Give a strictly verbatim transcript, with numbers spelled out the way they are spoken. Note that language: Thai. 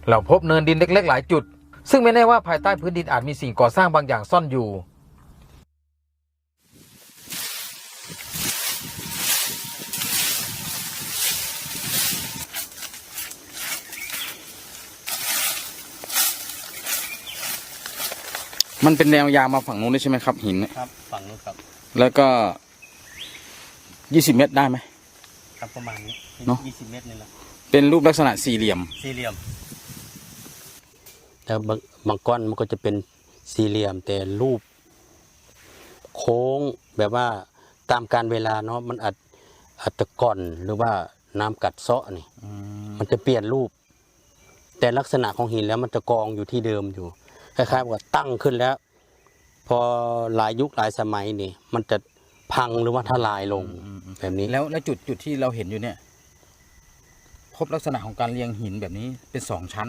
เราพบเนินดินเล็กๆหลายจุดซึ่งไม่แน่ว่าภายใต้พื้นดินอาจมีสิ่งก่อสร้างบางอย่างซ่อนอยู่มันเป็นแนวยาวมาฝั่งนู้นได้ใช่ไหมครับหินครับฝั่งนู้นครับแล้วก็ยี่สิบเมตรได้ไหมครับประมาณนี้เนาะยี่สิบเมตรนี่แหละเป็นรูปลักษณะสี่เหลี่ยมสี่เหลี่ยมแล้วบางบางก้อนมันก็จะเป็นสี่เหลี่ยมแต่รูปโค้งแบบว่าตามการเวลาเนาะมันอาจอาจจะก่อนหรือว่าน้ำกัดเซาะนี่มันจะเปลี่ยนรูปแต่ลักษณะของหินแล้วมันจะกองอยู่ที่เดิมอยู่คล้ายๆกับตั้งขึ้นแล้ว พอหลายยุคหลายสมัยนี่มันจะพังหรือว่าทลายลงแบบนี้แล้วแล้วจุดจุดที่เราเห็นอยู่เนี่ยพบลักษณะของการเรียงหินแบบนี้เป็นสองชั้น